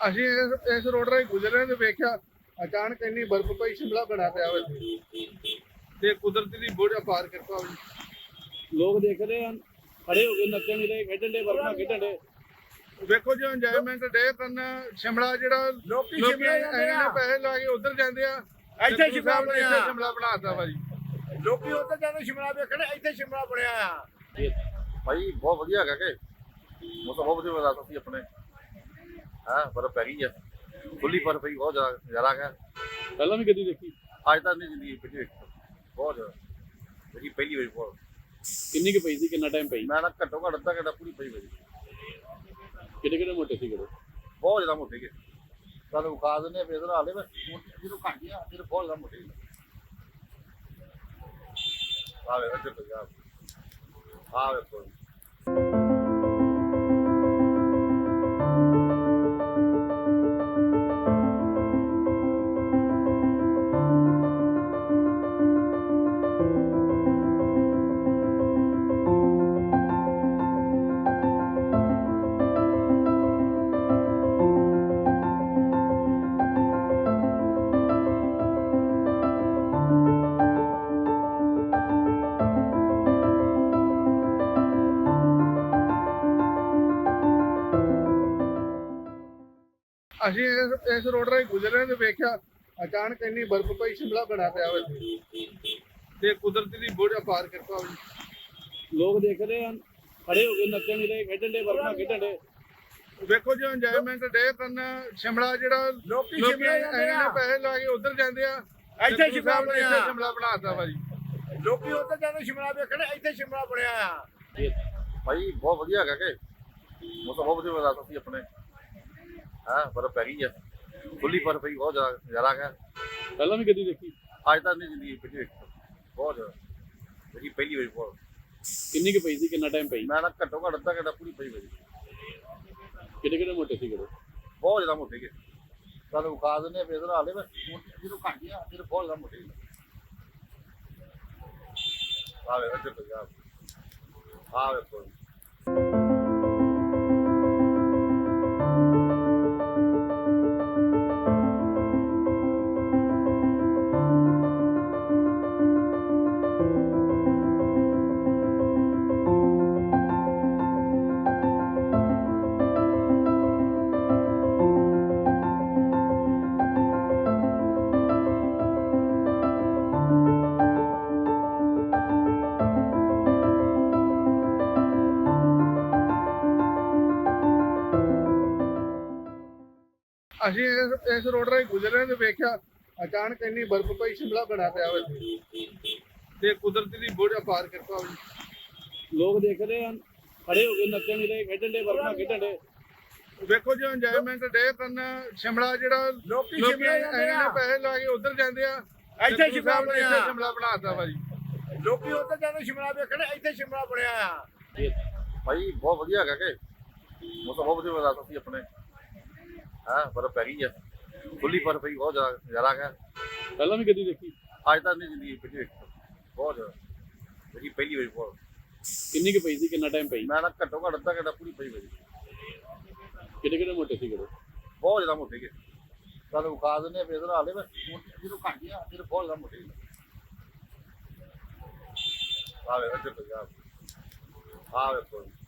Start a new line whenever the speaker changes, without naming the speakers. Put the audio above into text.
ਅਸੀਂ ਇਸ ਰੋਡ ਰਾਹੀਂ ਗੁਜ਼ਰ ਰਹੇ ਤੇ ਵੇਖਿਆ ਅਚਾਨਕ ਇੰਨੀ ਬਰਫ਼ ਪਈ, ਸ਼ਿਮਲਾ ਬਣਾ ਪਿਆ ਵਾ ਇੱਥੇ ਤੇ ਕੁਦਰਤ ਦੀ ਬਹੁਤ ਅਪਾਰ ਕਿਰਪਾ ਹੋਈ।
ਲੋਕ ਦੇਖ ਰਹੇ ਹਨ, ਖੜੇ ਹੋ ਕੇ ਨੱਚਣ ਨਹੀਂ ਰਹੇ, ਖੇਡਣ ਦੇ ਬਰਫਾਂ ਖੇਡਣ ਦੇ।
ਵੇਖੋ ਜੀ ਇੰਜੋਇਮੈਂਟ ਡੇ ਕਰਨਾ ਸ਼ਿਮਲਾ ਜਿਹੜਾ ਲੋਕੀ ਇੰਨੇ ਪੈਸੇ ਲਾ ਕੇ ਉਧਰ ਜਾਂਦੇ ਆ,
ਇੱਥੇ ਸ਼ਿਮਲਾ ਬਣਿਆ।
ਸ਼ਿਮਲਾ ਬਣਾਤਾ ਵਾ ਜੀ।
ਲੋਕੀ ਉੱਧਰ ਜਾਂਦੇ ਸ਼ਿਮਲਾ ਵੇਖਣ, ਇੱਥੇ ਸ਼ਿਮਲਾ ਬਣਿਆ ਆ।
ਭਾਈ ਬਹੁਤ ਵਧੀਆ ਹੈਗਾ ਕਿ ਮੌਸਮ ਬਹੁਤ ਵਧੀਆ ਬਰਸਾਤ ਸੀ ਆਪਣੇ। ਹਾਂ ਬਰਫ਼ ਪੈ ਗਈ ਆ, ਖੁੱਲੀ ਬਰਫ਼ ਪਈ, ਬਹੁਤ ਜ਼ਿਆਦਾ ਨਜ਼ਾਰਾ ਹੈਗਾ।
ਪਹਿਲਾਂ ਵੀ ਕਦੀ ਦੇਖੀ?
ਅੱਜ ਤੱਕ ਨਹੀਂ ਜ਼ਿੰਦਗੀ ਵਿੱਚ ਵੇਖੀ, ਬਹੁਤ ਜ਼ਿਆਦਾ ਮੇਰੀ ਪਹਿਲੀ ਵਾਰੀ। ਬਹੁਤ
ਕਿੰਨੀ ਕੁ ਪਈ ਸੀ, ਕਿੰਨਾ ਟਾਈਮ ਪਈ?
ਮੈਂ ਨਾ ਘੱਟੋ ਘੱਟ ਅੱਧਾ ਘੰਟਾ ਪੂਰੀ ਪਈ ਮੇਰੀ।
ਕਿਹੜੇ ਕਿਹੜੇ ਮੋਟੇ ਸੀ ਕਿਹੜੇ?
ਬਹੁਤ ਜ਼ਿਆਦਾ ਮੋਟੇ ਗਏ, ਸਾਨੂੰ ਵਿਖਾ ਦਿੰਦੇ ਫਿਰ ਇਹਦਾ ਹਾਲੇ ਮੈਂ ਜਦੋਂ ਘੱਟ ਗਿਆ ਫਿਰ ਬਹੁਤ ਜ਼ਿਆਦਾ ਮੋਟੇ ਆ ਵੇ ਇੱਧਰ ਪੰਜਾਬ ਆ ਵੇਖੋ।
ਅਸੀਂ ਇਸ ਰੋਡ ਰਾਹੀਂ ਗੁਜ਼ਰ ਰਹੇ ਤੇ ਵੇਖਿਆ ਅਚਾਨਕ ਇੰਨੀ ਬਰਫ਼ ਪਈ, ਸ਼ਿਮਲਾ ਬਣਾ ਪਿਆ ਵਾ ਇੱਥੇ ਤੇ ਕੁਦਰਤ ਦੀ ਬਹੁਤ ਅਪਾਰ ਕਿਰਪਾ ਹੋਈ।
ਲੋਕ ਦੇਖ ਰਹੇ ਹਨ, ਖੜੇ ਹੋ ਕੇ ਨੱਚਣ ਨਹੀਂ ਰਹੇ, ਖੇਡਣ ਦੇ ਬਰਫਾਂ ਖੇਡਣ ਦੇ।
ਵੇਖੋ ਜੀ ਇੰਜੋਇਮੈਂਟ ਡੇ ਕਰਨਾ ਸ਼ਿਮਲਾ ਜਿਹੜਾ ਲੋਕੀ ਇੰਨੇ ਪੈਸੇ ਲਾ ਕੇ ਉਧਰ ਜਾਂਦੇ ਆ,
ਇੱਥੇ ਸ਼ਿਮਲਾ ਬਣਿਆ।
ਸ਼ਿਮਲਾ ਬਣਾਤਾ ਵਾ ਜੀ।
ਲੋਕੀ ਉੱਧਰ ਜਾਂਦੇ ਸ਼ਿਮਲਾ ਵੇਖਣ, ਇੱਥੇ ਸ਼ਿਮਲਾ ਬਣਿਆ ਆ।
ਭਾਈ ਬਹੁਤ ਵਧੀਆ ਹੈਗਾ ਕਿ ਮੌਸਮ ਬਹੁਤ ਵਧੀਆ ਬਰਸਾਤ ਸੀ ਆਪਣੇ। ਹਾਂ ਬਰਫ਼ ਪੈ ਗਈ ਆ, ਖੁੱਲੀ ਬਰਫ਼ ਪਈ, ਬਹੁਤ ਜ਼ਿਆਦਾ ਨਜ਼ਾਰਾ ਹੈਗਾ।
ਪਹਿਲਾਂ ਵੀ ਕਦੀ ਦੇਖੀ?
ਅੱਜ ਤੱਕ ਨਹੀਂ ਜ਼ਿੰਦਗੀ ਵਿੱਚ ਵੇਖੀ, ਬਹੁਤ ਜ਼ਿਆਦਾ ਮੇਰੀ ਪਹਿਲੀ ਵਾਰੀ। ਬਹੁਤ
ਕਿੰਨੀ ਕੁ ਪਈ ਸੀ, ਕਿੰਨਾ ਟਾਈਮ ਪਈ?
ਮੈਂ ਨਾ ਘੱਟੋ ਘੱਟ ਅੱਧਾ ਘੰਟਾ ਪੂਰੀ ਪਈ ਮੇਰੀ।
ਕਿਹੜੇ ਕਿਹੜੇ ਮੋਟੇ ਸੀ ਕਿਹੜੇ?
ਬਹੁਤ ਜ਼ਿਆਦਾ ਮੋਟੇ ਗਏ, ਸਾਨੂੰ ਵਿਖਾ ਦਿੰਦੇ ਫਿਰ ਇਹਦਾ ਹਾਲੇ ਮੈਂ ਜਦੋਂ ਘੱਟ ਗਿਆ ਫਿਰ ਬਹੁਤ ਜ਼ਿਆਦਾ ਮੋਟੇ ਆ ਵੇ ਇੱਧਰ ਪੰਜਾਬ ਆ ਵੇਖੋ।
ਅਸੀਂ ਇਸ ਰੋਡ ਰਾਹੀਂ ਗੁਜ਼ਰ ਰਹੇ ਤੇ ਵੇਖਿਆ ਅਚਾਨਕ ਇੰਨੀ ਬਰਫ਼ ਪਈ, ਸ਼ਿਮਲਾ ਬਣਾ ਪਿਆ ਵਾ ਇੱਥੇ ਤੇ ਕੁਦਰਤ ਦੀ ਬਹੁਤ ਅਪਾਰ ਕਿਰਪਾ ਹੋਈ।
ਲੋਕ ਦੇਖ ਰਹੇ ਹਨ, ਖੜੇ ਹੋ ਕੇ ਨੱਚਣ ਨਹੀਂ ਰਹੇ, ਖੇਡਣ ਦੇ ਬਰਫਾਂ ਖੇਡਣ ਦੇ।
ਵੇਖੋ ਜੀ ਇੰਜੋਇਮੈਂਟ ਡੇ ਕਰਨਾ ਸ਼ਿਮਲਾ ਜਿਹੜਾ ਲੋਕੀ ਇੰਨੇ ਪੈਸੇ ਲਾ ਕੇ ਉਧਰ ਜਾਂਦੇ ਆ,
ਇੱਥੇ ਸ਼ਿਮਲਾ ਬਣਿਆ।
ਸ਼ਿਮਲਾ ਬਣਾਤਾ ਵਾ ਜੀ।
ਲੋਕੀ ਉੱਧਰ ਜਾਂਦੇ ਸ਼ਿਮਲਾ ਵੇਖਣ, ਇੱਥੇ ਸ਼ਿਮਲਾ ਬਣਿਆ ਆ।
ਭਾਈ ਬਹੁਤ ਵਧੀਆ ਹੈਗਾ ਕਿ ਮੌਸਮ ਬਹੁਤ ਵਧੀਆ ਬਰਸਾਤ ਸੀ ਆਪਣੇ। ਹਾਂ ਬਰਫ਼ ਪੈ ਗਈ ਆ, ਖੁੱਲੀ ਬਰਫ਼ ਪਈ, ਬਹੁਤ ਜ਼ਿਆਦਾ ਨਜ਼ਾਰਾ ਹੈਗਾ।
ਪਹਿਲਾਂ ਵੀ ਕਦੀ ਦੇਖੀ?
ਅੱਜ ਤੱਕ ਨਹੀਂ ਜ਼ਿੰਦਗੀ ਵਿੱਚ ਵੇਖੀ, ਬਹੁਤ ਜ਼ਿਆਦਾ ਮੇਰੀ ਪਹਿਲੀ ਵਾਰੀ। ਬਹੁਤ
ਕਿੰਨੀ ਕੁ ਪਈ ਸੀ, ਕਿੰਨਾ ਟਾਈਮ ਪਈ?
ਮੈਂ ਨਾ ਘੱਟੋ ਘੱਟ ਅੱਧਾ ਘੰਟਾ ਪੂਰੀ ਪਈ ਮੇਰੀ।
ਕਿਹੜੇ ਕਿਹੜੇ ਮੋਟੇ ਸੀ ਕਿਹੜੇ?
ਬਹੁਤ ਜ਼ਿਆਦਾ ਮੋਟੇ ਗਏ, ਸਾਨੂੰ ਵਿਖਾ ਦਿੰਦੇ ਫਿਰ ਇਹਦਾ ਹਾਲੇ ਮੈਂ ਜਦੋਂ ਘੱਟ ਗਿਆ ਫਿਰ ਬਹੁਤ ਜ਼ਿਆਦਾ ਮੋਟੇ ਆ ਵੇ ਇੱਧਰ ਪੰਜਾਬ ਆ ਵੇਖੋ।